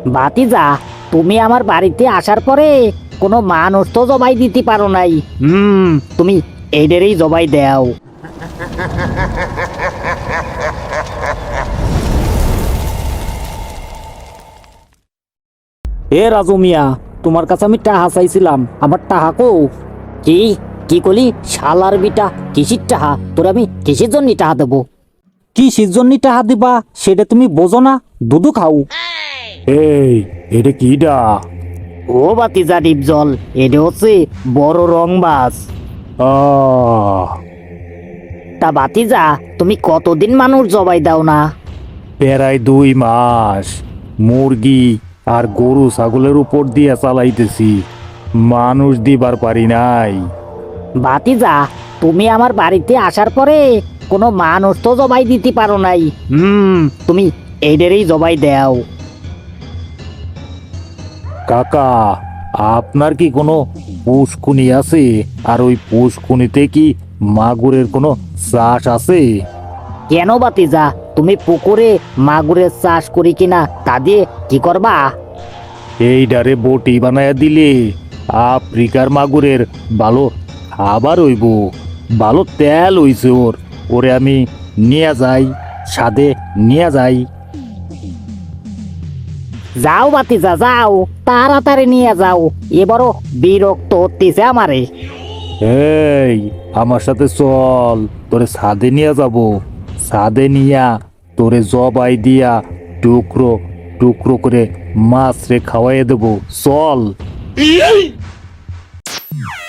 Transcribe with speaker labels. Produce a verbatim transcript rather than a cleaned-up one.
Speaker 1: ভাতিজা, তুমি আমার বাড়িতে আসার পরে কোনো মানুষ তো জবাই দিতে পারো নাই। হুম, তুমি এইদেরই জবাই দাও। এ রাজু মিয়া, তোমার কাছে আমি টাহা চাইছিলাম, আমার টাহা কো? কি কি কলি শালার বিটা? কিসির টাহা? তোর আমি কিসের জন্য টাহা দেবো? কিসের জন্য টাহা দিবা সেটা তুমি বোঝো না? দুধু খাও।
Speaker 2: এই এটা কিডা?
Speaker 1: ও বাতিজা ডিপজল, এটা হচ্ছে বড় রংবাজ।
Speaker 2: আহ
Speaker 1: তা বাতিজা, তুমি কতদিন মানুষ জবাই দাও না?
Speaker 2: প্রায় দুই মাস মুরগি আর গরু ছাগলের উপর দিয়ে চালাইতেছি, মানুষ দিবার পারি নাই।
Speaker 1: ভাতিজা, তুমি আমার বাড়িতে আসার পরে কোনো মানুষ তো জবাই দিতে পারো নাই। হুম, তুমি এইদেরই জবাই দাও।
Speaker 2: কাকা, আপনার কি কোনো পুষ্কুনি আছে? আর ওই পুষ্কুনিতে কি মাগুরের কোনো চাষ আছে?
Speaker 1: কেন বাতিজা, তুমি পুকুরে মাগুরের চাষ করি কিনা তা দিয়ে কি করবা?
Speaker 2: এই ডারে বটি বানায়া দিলে আফ্রিকার মাগুরের ভালো খাবার হইব, ভালো তেল হইছে ওর। ওরে আমি নিয়ে যাই, সাদে নিয়ে যাই।
Speaker 1: যাও বাতিজা যাও, তাড়াতাড়ি নিয়ে যাও, এবারও বিরক্ত হতেছে আমারে।
Speaker 2: এই আমার সাথে চল, তোরে সাদে নিয়ে যাব। সাদে নিয়া তোরে জবাই দিয়া টুকরো টুকরো করে মাছ রে খাওয়াইয়ে দেবো, চল।